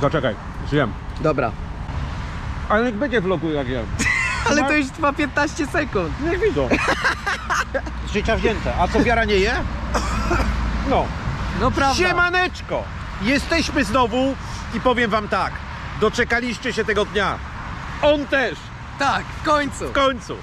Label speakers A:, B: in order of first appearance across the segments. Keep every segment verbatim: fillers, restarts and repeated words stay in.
A: Zaczekaj, zjem.
B: Dobra.
A: Ale niech będzie vlogu jak jem.
B: Ale to już trwa piętnaście sekund.
A: Niech widzą. Z życia wzięte. A co wiara nie je? No.
B: No prawda.
A: Siemaneczko! Jesteśmy znowu i powiem wam tak. Doczekaliście się tego dnia. On też.
B: Tak, w końcu.
A: W końcu.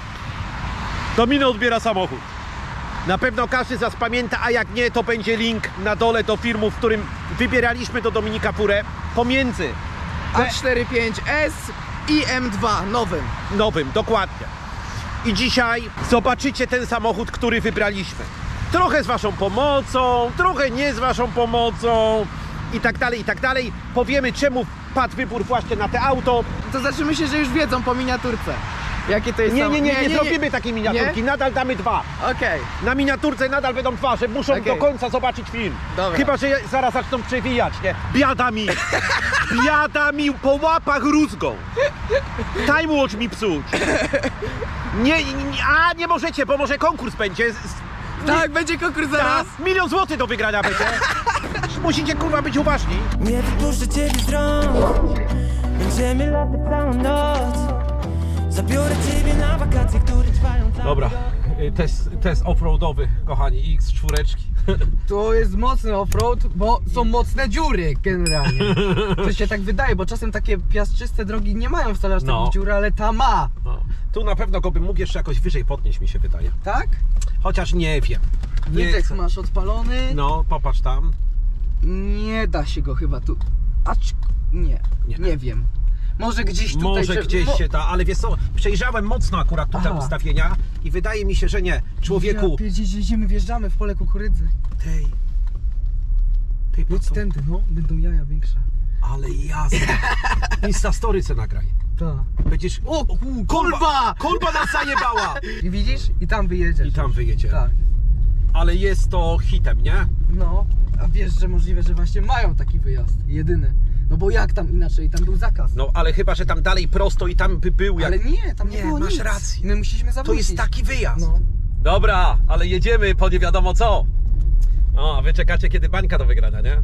A: Domino odbiera samochód. Na pewno każdy z was pamięta, a jak nie, to będzie link na dole do filmu, w którym wybieraliśmy do Dominika furę pomiędzy
B: A czterdzieści pięć S i M dwa nowym.
A: nowym, dokładnie. I dzisiaj zobaczycie ten samochód, który wybraliśmy. Trochę z waszą pomocą, trochę nie z waszą pomocą i tak dalej, i tak dalej. Powiemy, czemu padł wybór właśnie na te auto.
B: To znaczy myślę, że już wiedzą po miniaturce. Jakie to jest
A: Nie,
B: samo-
A: nie, nie, nie, zrobimy takiej miniaturki,
B: Nie?
A: nadal damy dwa.
B: Okej.
A: Na miniaturce nadal będą dwa, że muszą
B: Okej.
A: do końca zobaczyć film.
B: Dobra.
A: Chyba, że zaraz zaczną przewijać, nie? Biada mi! Biada mi po łapach rózgą! Time watch mi psuć! Nie, nie, a nie możecie, bo może konkurs będzie. Z-
B: Tak, będzie konkurs zaraz.
A: Tak, milion złotych do wygrania będzie. Musicie kurwa być uważni.
C: Nie wypuszczę ciebie z rąk. Będziemy latać całą noc. Zabiorę ciebie na wakacje, które trwają cały
A: Dobra,
C: rok.
A: test, test offroadowy, kochani, X cztery.
B: To jest mocny offroad, bo są mocne dziury generalnie. To się tak wydaje, bo czasem takie piaszczyste drogi nie mają wcale aż
A: No.
B: takich dziur, ale ta ma.
A: No. Tu na pewno go bym mógł jeszcze jakoś wyżej podnieść, mi się wydaje.
B: Tak?
A: Chociaż nie wiem. Nie
B: Wydech
A: chcę.
B: masz odpalony.
A: No, popatrz tam.
B: Nie da się go chyba tu. Acz... Nie,
A: Nie.
B: nie, wiem. Może gdzieś tutaj.
A: Może
B: że-
A: gdzieś
B: mo-
A: się da, ale wiesz co, przejrzałem mocno akurat tu te
B: Aha.
A: ustawienia i wydaje mi się, że nie. Człowieku,
B: Ja pierdzieć, że jedziemy, wjeżdżamy w pole kukurydzy.
A: tej, tej
B: Jedź
A: po co?
B: tędy, no, będą jaja większe.
A: Ale jasne. Insta story se nagraj.
B: Tak.
A: Będziesz...
B: O, ku- kolba!
A: Kolba nas zajebała!
B: I widzisz? I tam wyjedziesz.
A: I tam wyjedzie.
B: Tak.
A: Ale jest to hitem, nie?
B: No, a wiesz, że możliwe, że właśnie mają taki wyjazd. Jedyny. No bo jak tam inaczej? Tam był zakaz.
A: No ale chyba, że tam dalej prosto i tam by był jak...
B: Ale nie, tam nie,
A: Nie,
B: było
A: masz
B: nic.
A: rację.
B: My musieliśmy
A: To
B: zawrócić.
A: jest taki wyjazd.
B: No.
A: Dobra, ale jedziemy po nie wiadomo co. O, a wy czekacie kiedy bańka do wygrania, nie?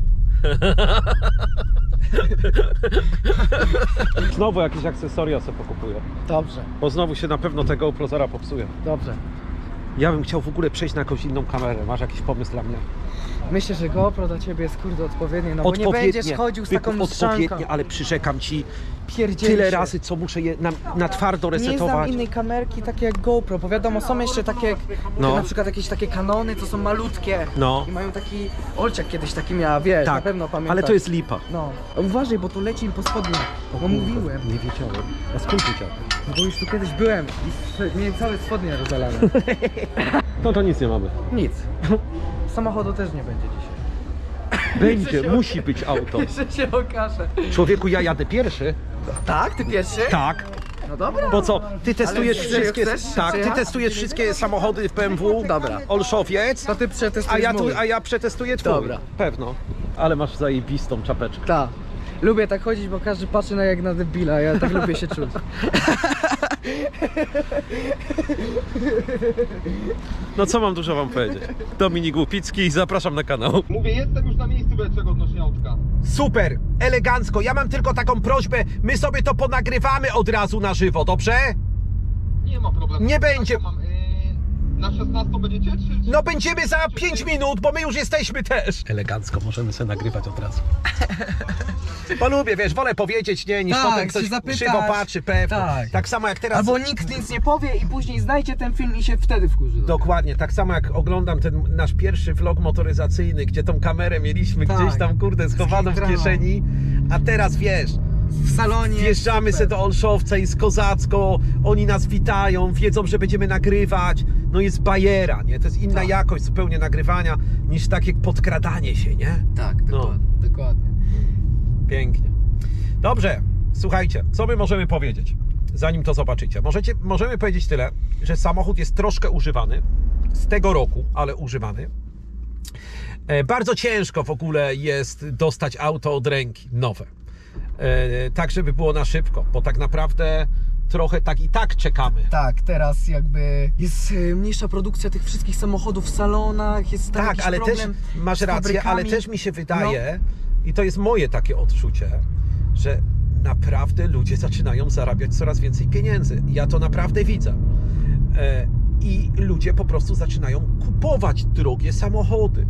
A: Znowu jakieś akcesoria sobie pokupuję.
B: Dobrze,
A: Bo znowu się na pewno te GoPro zaraz popsuje.
B: dobrze.
A: Ja bym chciał w ogóle przejść na jakąś inną kamerę. Masz jakiś pomysł dla mnie?
B: Myślę, że GoPro dla ciebie jest kurde odpowiednie, no bo nie będziesz chodził z taką
A: Byku,
B: strzanką.
A: odpowiednie, ale przyrzekam ci
B: Pierdzieli
A: tyle
B: się.
A: razy, co muszę je na, na twardo
B: Nie znam
A: resetować.
B: innej kamerki takie jak GoPro, bo wiadomo, są jeszcze takie jak
A: No.
B: na przykład jakieś takie Canony, co są malutkie.
A: No.
B: I mają taki, Olciak kiedyś taki miała, wiesz, na
A: Tak,
B: pewno pamiętasz.
A: ale to jest lipa.
B: No, uważaj, bo tu leci im po spodniach, bo mówiłem.
A: Nie wiedziałem. A skąd wiedziałem?
B: No bo już tu kiedyś byłem i miałem całe spodnie rozalane.
A: No to nic nie mamy.
B: Nic. Samochodu też nie będzie dzisiaj.
A: Będzie, musi być auto.
B: Jeszcze się okaże.
A: Człowieku, ja jadę pierwszy.
B: Tak? Ty pierwszy?
A: Tak.
B: No dobra.
A: Bo co, ty testujesz
B: Ale
A: wszystkie.
B: chcesz
A: Tak, ty
B: przyjechać?
A: testujesz wszystkie samochody w B M W.
B: Dobra.
A: Olszowiec.
B: To ty przetestujesz
A: A ja, tu,
B: mój.
A: a ja przetestuję twój.
B: Dobra.
A: Pewno. Ale masz zajebistą czapeczkę.
B: Tak. Lubię tak chodzić, bo każdy patrzy na jak na debila, ja tak lubię się czuć.
A: No co mam dużo wam powiedzieć. Dominik Łupicki, zapraszam na kanał.
D: Mówię, jestem już na miejscu, czego odnośnie autka.
A: Super, elegancko. Ja mam tylko taką prośbę, my sobie to ponagrywamy od razu na żywo, dobrze?
D: Nie ma problemu.
A: Nie będzie.
D: Tak, mam, yy, na szesnastą będziecie, czy... czy
A: No będziemy za pięć minut, bo my już jesteśmy też. Elegancko, możemy sobie nagrywać od razu. Bo lubię, wiesz, wolę powiedzieć, nie, niż
B: Tak,
A: potem
B: się
A: ktoś
B: zapytasz.
A: krzywo patrzy, pewnie.
B: Tak.
A: Tak samo jak teraz...
B: Albo nikt nic nie powie i później znajdzie ten film i się wtedy wkurzy.
A: Dokładnie, tak samo jak oglądam ten nasz pierwszy vlog motoryzacyjny, gdzie tą kamerę mieliśmy
B: Tak.
A: gdzieś tam, kurde, schowaną w
B: Skitrano.
A: kieszeni, a teraz wiesz,
B: W salonie.
A: wjeżdżamy
B: super.
A: sobie do Olszowca, jest kozacko, oni nas witają, wiedzą, że będziemy nagrywać, no jest bajera, nie? To jest inna
B: Tak.
A: jakość zupełnie nagrywania niż takie podkradanie się, nie?
B: Tak,
A: No.
B: dokładnie. dokładnie.
A: Pięknie. Dobrze, słuchajcie, co my możemy powiedzieć, zanim to zobaczycie? Możecie, możemy powiedzieć tyle, że samochód jest troszkę używany, z tego roku, ale używany. E, bardzo ciężko w ogóle jest dostać auto od ręki, nowe. E, tak, żeby było na szybko, bo tak naprawdę trochę tak i tak czekamy.
B: Tak, teraz jakby jest e, mniejsza produkcja tych wszystkich samochodów w salonach, jest tam
A: Tak,
B: jakiś
A: ale też
B: problem
A: masz
B: z
A: rację, ale
B: fabrykami.
A: też mi się wydaje, I to jest moje takie odczucie, że naprawdę ludzie zaczynają zarabiać coraz więcej pieniędzy. Ja to naprawdę widzę. E, I ludzie po prostu zaczynają kupować drogie samochody.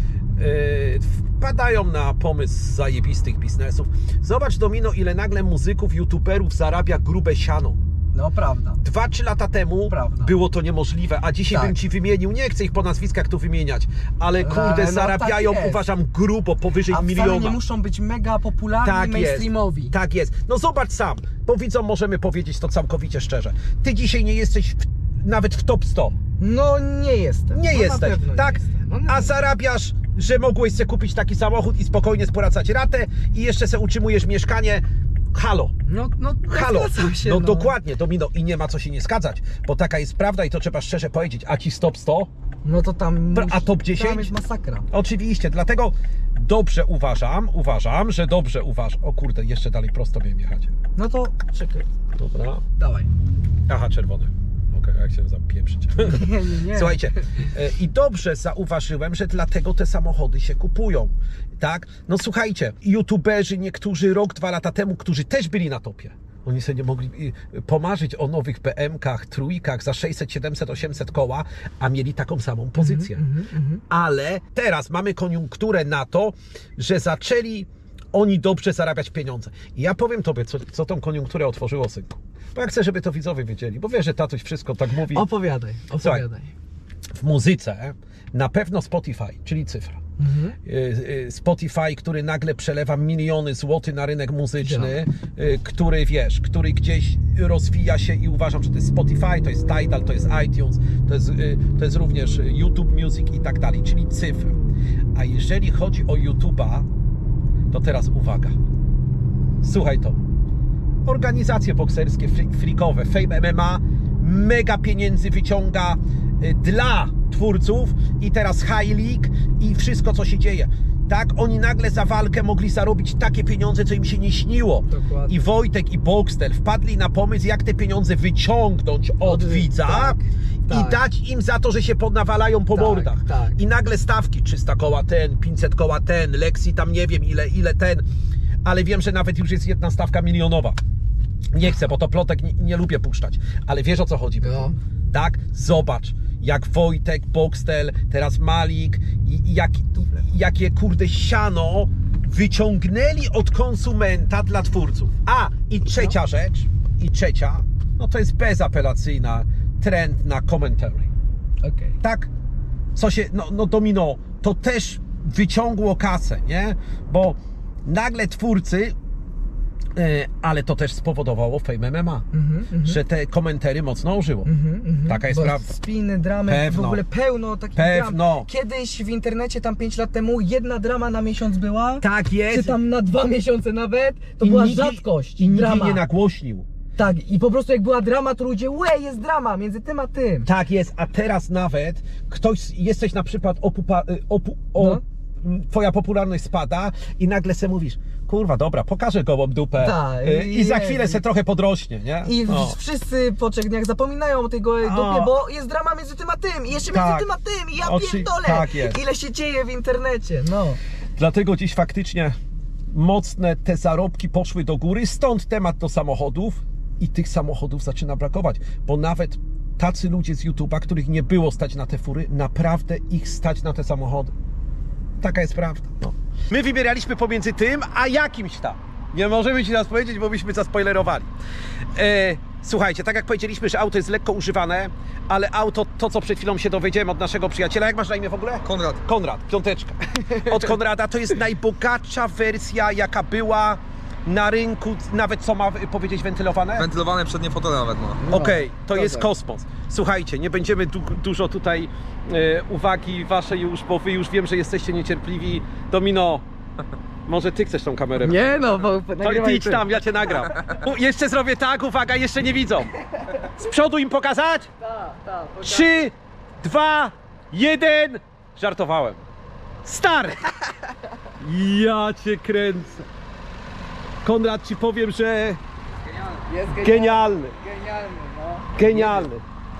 A: E, wpadają na pomysł zajebistych biznesów. Zobacz, Domino, ile nagle muzyków, youtuberów zarabia grube siano.
B: No prawda.
A: Dwa, trzy lata temu
B: Prawda.
A: było to niemożliwe, a dzisiaj
B: Tak.
A: bym ci wymienił, nie chcę ich po nazwiskach tu wymieniać, ale kurde,
B: Ale no
A: zarabiają,
B: tak jest.
A: uważam, grubo, powyżej
B: A wcale
A: miliona.
B: nie muszą być mega popularni
A: Tak
B: i
A: jest,
B: mainstreamowi.
A: tak jest. No zobacz sam, bo widzom możemy powiedzieć to całkowicie szczerze. Ty dzisiaj nie jesteś w, nawet w top sto.
B: No nie jestem.
A: Nie
B: no, na
A: jesteś,
B: pewno nie
A: tak?
B: jestem. No, nie.
A: A zarabiasz, że mogłeś sobie kupić taki samochód i spokojnie spłacać ratę i jeszcze sobie utrzymujesz mieszkanie. Halo.
B: No, no,
A: Halo,
B: zgadzam się,
A: no,
B: no
A: dokładnie, Domino, i nie ma co się nie zgadzać, bo taka jest prawda i to trzeba szczerze powiedzieć, a ci stop sto?
B: No to tam...
A: A top dziesięć?
B: Tam jest masakra.
A: Oczywiście, dlatego dobrze uważam, uważam, że dobrze uważam. O kurde, jeszcze dalej prosto miałem jechać.
B: No to czekaj,
A: Dobra.
B: dawaj.
A: Aha, czerwony. Okej, jak się zapieprzyć.
B: Nie, nie, nie.
A: Słuchajcie, e, i dobrze zauważyłem, że dlatego te samochody się kupują, tak? No słuchajcie, youtuberzy niektórzy rok, dwa lata temu, którzy też byli na topie, oni sobie nie mogli y, pomarzyć o nowych B M kach, trójkach za sześćset, siedemset, osiemset koła, a mieli taką samą pozycję.
B: Mhm, mhm.
A: Ale teraz mamy koniunkturę na to, że zaczęli oni dobrze zarabiać pieniądze. I ja powiem tobie, co, co tą koniunkturę otworzyło, synku. Bo ja chcę, żeby to widzowie wiedzieli, bo wiesz, że tatuś wszystko tak mówi.
B: Opowiadaj, opowiadaj.
A: W muzyce na pewno Spotify, czyli cyfra.
B: Mhm.
A: Y, y, Spotify, który nagle przelewa miliony złotych na rynek muzyczny, y, który wiesz, który gdzieś rozwija się i uważam, że to jest Spotify, to jest Tidal, to jest iTunes, to jest, y, to jest również YouTube Music i tak dalej, czyli cyfra. A jeżeli chodzi o YouTube'a, to teraz uwaga. Słuchaj to. Organizacje bokserskie, freakowe, Fame M M A mega pieniędzy wyciąga y, dla twórców i teraz High League i wszystko, co się dzieje. Tak, oni nagle za walkę mogli zarobić takie pieniądze, co im się nie śniło.
B: Dokładnie.
A: I Wojtek i Boxtel wpadli na pomysł, jak te pieniądze wyciągnąć od,
B: Od-
A: widza
B: tak,
A: i
B: tak.
A: dać im za to, że się podnawalają po
B: Tak,
A: mordach.
B: tak.
A: I nagle stawki trzysta koła ten, pięćset koła ten, Lexi tam nie wiem ile, ile ten, ale wiem, że nawet już jest jedna stawka milionowa. Nie chcę, bo to plotek nie, nie lubię puszczać, ale wiesz, o co chodzi.
B: No.
A: Tak? Zobacz, jak Wojtek, Boxtel, teraz Malik i, i jak, i, jakie kurde siano wyciągnęli od konsumenta dla twórców. A, i trzecia rzecz, i trzecia, no to jest bezapelacyjna trend na commentary.
B: Okej.
A: Tak? Co się, no, no Domino, to też wyciągło kasę, nie? Bo nagle twórcy, e, ale to też spowodowało Fame M M A,
B: Mhm, mhm.
A: że te komentary mocno ożyło.
B: Mhm, mhm.
A: Taka jest
B: Bo
A: prawda.
B: Spiny, dramy,
A: Pewno.
B: w ogóle pełno takich
A: Pewno.
B: dram. Kiedyś w internecie tam pięć lat temu jedna drama na miesiąc była.
A: Tak jest.
B: Czy tam na dwa miesiące nawet. To
A: I
B: była
A: nikt jej-
B: rzadkość.
A: I nikt jej
B: drama.
A: nie nagłośnił.
B: Tak, i po prostu jak była drama, to ludzie, łe, jest drama między tym a tym.
A: Tak jest, a teraz nawet ktoś, jesteś na przykład opupa, y, opu, o,
B: No.
A: m, twoja popularność spada i nagle se mówisz, kurwa dobra, pokażę gołą dupę
B: Tak,
A: y, i za
B: jest.
A: chwilę se trochę podrośnie, nie?
B: I
A: No.
B: w- wszyscy po trzech dniach zapominają o tej gołej
A: O.
B: dupie, bo jest drama między tym a tym. I jeszcze
A: Tak.
B: między tym a tym. I ja
A: Oczy-
B: pierdolę.
A: tak jest.
B: Ile się dzieje w internecie, no.
A: Dlatego dziś faktycznie mocne te zarobki poszły do góry, stąd temat do samochodów i tych samochodów zaczyna brakować, bo nawet tacy ludzie z YouTube'a, których nie było stać na te fury, naprawdę ich stać na te samochody. Taka jest prawda. No. My wybieraliśmy pomiędzy tym, a jakimś tam. Nie możemy ci teraz powiedzieć, bo byśmy zaspoilerowali. E, słuchajcie, tak jak powiedzieliśmy, że auto jest lekko używane, ale auto, to co przed chwilą się dowiedziałem od naszego przyjaciela, jak masz na imię w ogóle?
D: Konrad.
A: Konrad, piąteczka. Od Konrada to jest najbogatsza wersja, jaka była na rynku, nawet co ma powiedzieć wentylowane?
D: Wentylowane przednie fotele nawet ma.
A: Okej, to
B: no
A: jest
B: tak.
A: kosmos. Słuchajcie, nie będziemy du dużo tutaj e, uwagi waszej już, bo wy już wiem, że jesteście niecierpliwi. Domino, może ty chcesz tą kamerę?
B: Nie no, bo
A: To ty idź tam, ja cię nagram. U, jeszcze zrobię tak, uwaga, jeszcze nie widzą. Z przodu im pokazać?
B: Tak, tak.
A: Trzy, dwa, jeden. Żartowałem. Start! Ja cię kręcę. Konrad, ci powiem, że
B: Jest
A: genialny,
B: Genialny, no.
A: genialny.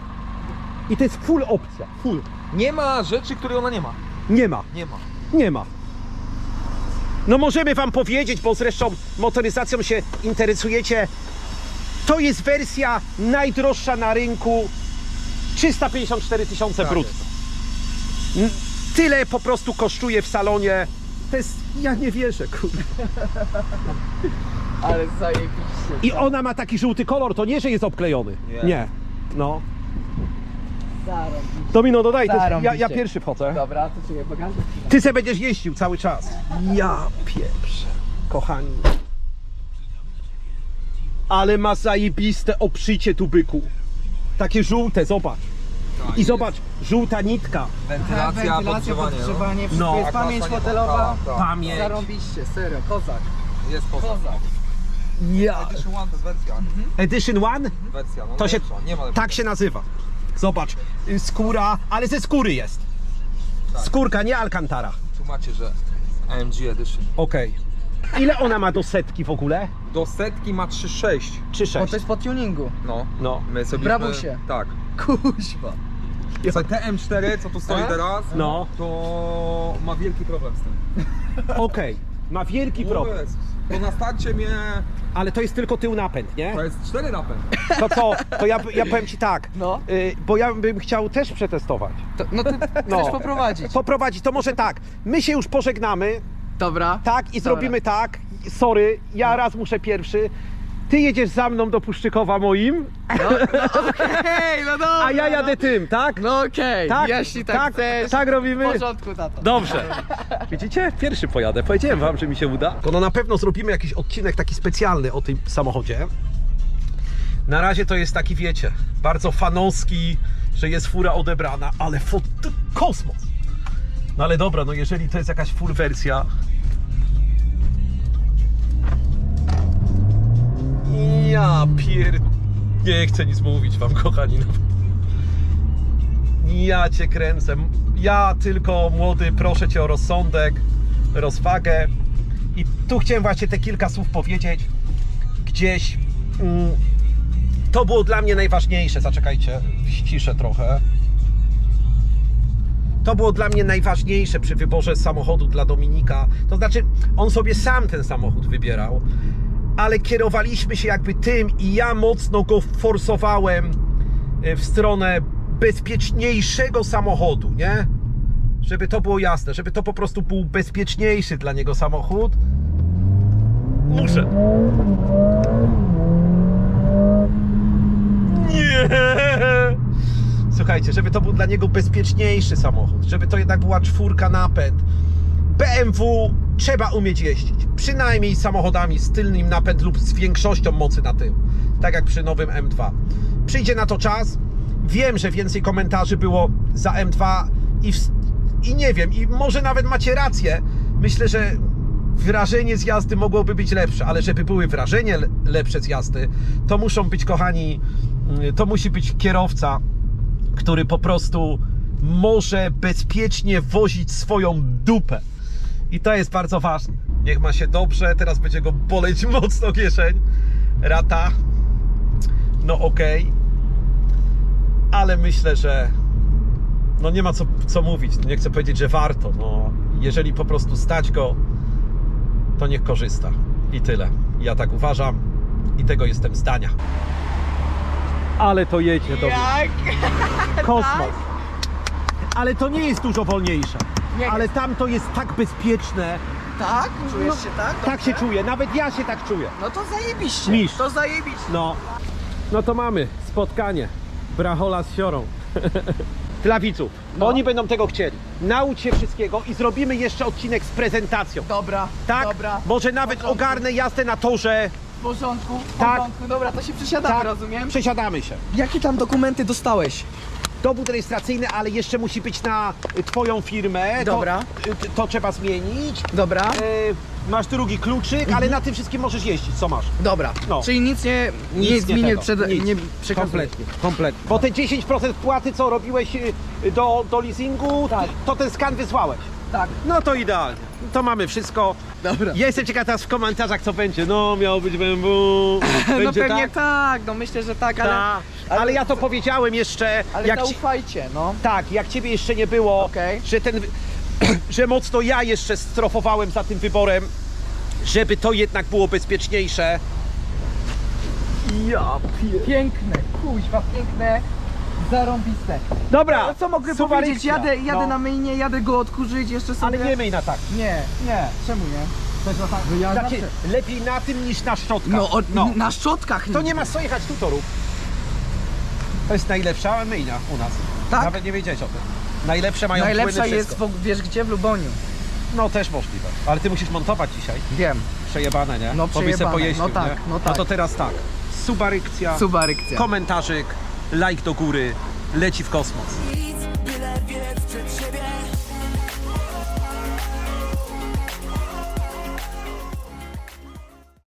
A: I to jest full opcja, full.
D: Nie ma rzeczy, której ona nie ma.
A: Nie ma,
D: Nie ma.
A: nie ma. No możemy wam powiedzieć, bo zresztą motoryzacją się interesujecie. To jest wersja najdroższa na rynku. trzysta pięćdziesiąt cztery tysiące
D: Tak
A: brutto. N- Tyle po prostu kosztuje w salonie. To jest... Ja nie wierzę, kurde.
B: Ale zajebiście.
A: I ona ma taki żółty kolor, to nie, że jest obklejony.
D: Nie.
A: Nie. No.
B: Zarobiście.
A: Domino, dodaj, to jest, ja,
B: Zarąbiście.
A: ja pierwszy wchodzę.
B: Dobra, to czekaj, pokażę.
A: Ty se będziesz jeździł cały czas. Ja pieprzę, kochani. Ale ma zajebiste obszycie tu byku. Takie żółte, zobacz.
D: Tak,
A: I
D: jest
A: zobacz, żółta nitka.
D: Wentylacja, podgrzewanie.
B: podgrzewanie,
A: No.
B: wszystko jest
D: A
B: pamięć
D: klasa nie
B: fotelowa.
D: ma. Tak, tak.
A: Pamięć.
B: Zarąbiście, serio, kozak.
D: Jest poza.
B: Kozak.
A: Ja.
D: Edition One to jest wersja.
A: Edition One?
D: Wersja, no
A: To się,
D: lepsza, nie ma lepszej.
A: tak się nazywa. Zobacz, y, skóra, ale ze skóry jest.
D: Tak.
A: Skórka, nie Alcantara.
D: Tu macie, że A M G Edition.
A: Okej. Ile ona ma do setki w ogóle?
D: Do setki ma trzy sześć.
A: Czy
B: Bo
A: sześć?
B: to jest po tuningu.
D: No.
A: No.
D: My sobie
B: Brabusie.
D: Tak.
B: Kuźwa.
D: Co T M cztery, co tu stoi
B: A?
D: teraz,
A: No.
D: to ma wielki problem z tym.
A: Okej. Ma wielki problem.
D: O Jezus. To na starcie mnie...
A: Ale to jest tylko tył napęd, nie?
D: To jest cztery napęd.
A: To co? To ja, ja powiem ci tak.
B: No.
A: Y, bo ja bym chciał też przetestować.
B: To, no ty
A: No.
B: chcesz poprowadzić.
A: Poprowadzić, to może tak. My się już pożegnamy,
B: Dobra.
A: tak? I
B: Dobra.
A: zrobimy tak. Sorry, ja raz muszę pierwszy. Ty jedziesz za mną do Puszczykowa moim,
B: No, no okej, no dobra.
A: a ja jadę
B: no.
A: tym, tak?
B: No okej,
A: Tak,
B: jeśli tak,
A: tak,
B: chcesz.
A: tak robimy.
B: W porządku, tato.
A: Dobrze. Widzicie? Pierwszy pojadę. Powiedziałem wam, że mi się uda. No na pewno zrobimy jakiś odcinek taki specjalny o tym samochodzie. Na razie to jest taki, wiecie, bardzo fanowski, że jest fura odebrana, ale fot... kosmos. No ale dobra, no jeżeli to jest jakaś full wersja. Ja pier... Nie chcę nic mówić wam, kochani. No. Ja cię kręcę. Ja tylko, młody, proszę cię o rozsądek, rozwagę. I tu chciałem właśnie te kilka słów powiedzieć. Gdzieś mm, to było dla mnie najważniejsze. Zaczekajcie, ściszę trochę. To było dla mnie najważniejsze przy wyborze samochodu dla Dominika. To znaczy, on sobie sam ten samochód wybierał, ale kierowaliśmy się jakby tym i ja mocno go forsowałem w stronę bezpieczniejszego samochodu, nie? Żeby to było jasne, żeby to po prostu był bezpieczniejszy dla niego samochód. Muszę. Nie! Słuchajcie, żeby to był dla niego bezpieczniejszy samochód, żeby to jednak była czwórka napęd. B M W trzeba umieć jeździć, przynajmniej samochodami z tylnym napęd lub z większością mocy na tył, tak jak przy nowym M dwa. Przyjdzie na to czas. Wiem, że więcej komentarzy było za M dwa i, w, i nie wiem, i może nawet macie rację. Myślę, że wrażenie z jazdy mogłoby być lepsze, ale żeby były wrażenie lepsze z jazdy, to muszą być, kochani, to musi być kierowca, który po prostu może bezpiecznie wozić swoją dupę. I to jest bardzo ważne. Niech ma się dobrze, teraz będzie go boleć mocno kieszeń. Rata. No okej. Okay. Ale myślę, że no nie ma co, co mówić. Nie chcę powiedzieć, że warto. No, jeżeli po prostu stać go, to niech korzysta. I tyle. Ja tak uważam i tego jestem zdania. Ale to jedzie do mnie.
B: Jak?
A: Kosmos. Ale to nie jest dużo wolniejsze.
B: Nie
A: Ale
B: jest.
A: tam to jest tak bezpieczne.
B: Tak? Czujesz
A: No,
B: się tak?
A: Tak się
B: Dobrze?
A: czuję. Nawet ja się tak czuję.
B: No to zajebiście.
A: Mistrz.
B: To zajebiście.
A: No. No to mamy spotkanie Brachola z Siorą. Dla widzów.
B: No.
A: Oni będą tego chcieli. Naucz się wszystkiego i zrobimy jeszcze odcinek z prezentacją.
B: Dobra,
A: Tak?
B: dobra.
A: Może
B: W
A: nawet
B: porządku.
A: ogarnę jazdę na torze.
B: W porządku, w
A: Tak.
B: porządku. Dobra, to się przesiadamy,
A: Tak,
B: rozumiem?
A: przesiadamy się.
B: Jakie tam dokumenty dostałeś?
A: Dowód rejestracyjny, ale jeszcze musi być na y, twoją firmę.
B: Dobra.
A: To, y, to trzeba zmienić.
B: Dobra.
A: Y, masz drugi kluczyk, ale na tym wszystkim możesz jeździć. Co masz?
B: Dobra.
A: No.
B: Czyli nic nie,
A: Nic
B: nic
A: nie
B: mi nie,
A: tego.
B: przed,
A: Nic.
B: nie przekazuje.
A: Kompletnie, kompletnie. Bo te dziesięć procent wpłaty, co robiłeś y, do, do leasingu,
B: Tak.
A: to ten skan wysłałeś.
B: Tak.
A: No to idealnie. To mamy wszystko.
B: Dobra.
A: Ja jestem ciekaw teraz w komentarzach, co będzie. No, miał być B M W. Będzie
B: No pewnie
A: tak?
B: tak, no myślę, że tak, ale...
A: Ta. Ale, ja to powiedziałem jeszcze,
B: Ale
A: jak ci,
B: zaufajcie, no.
A: tak, jak ciebie jeszcze nie było,
B: Okej.
A: że ten że mocno ja jeszcze strofowałem za tym wyborem, żeby to jednak było bezpieczniejsze. Ja pier...
B: Piękne, kuźwa, piękne, zarąbiste.
A: Dobra,
B: No co mogę
A: suwarycja.
B: powiedzieć? Jadę, jadę
A: No.
B: na myjnie, jadę go odkurzyć jeszcze sobie.
A: Ale nie myj na tak.
B: Nie, nie, czemu nie?
A: To jest na tak.
B: No ja
A: Takie,
B: zawsze-
A: lepiej na tym niż na szczotkach.
B: No, o, na szczotkach
A: To nie ma co jechać tu torów. To jest najlepsza myjnia u nas.
B: Tak?
A: Nawet nie wiedzieć o tym. Najlepsze mają
B: Najlepsza
A: płyny,
B: jest,
A: wszystko.
B: w, wiesz gdzie, w Luboniu.
A: No też możliwe. Ale ty musisz montować dzisiaj.
B: Wiem.
A: Przejebane, nie?
B: No,
A: Bo byś se
B: przejebane.
A: pojeździł,
B: No tak,
A: nie?
B: no
A: No
B: tak.
A: to teraz tak. Subarykcja,
B: Subarykcja.
A: komentarzyk, like do góry, leci w kosmos.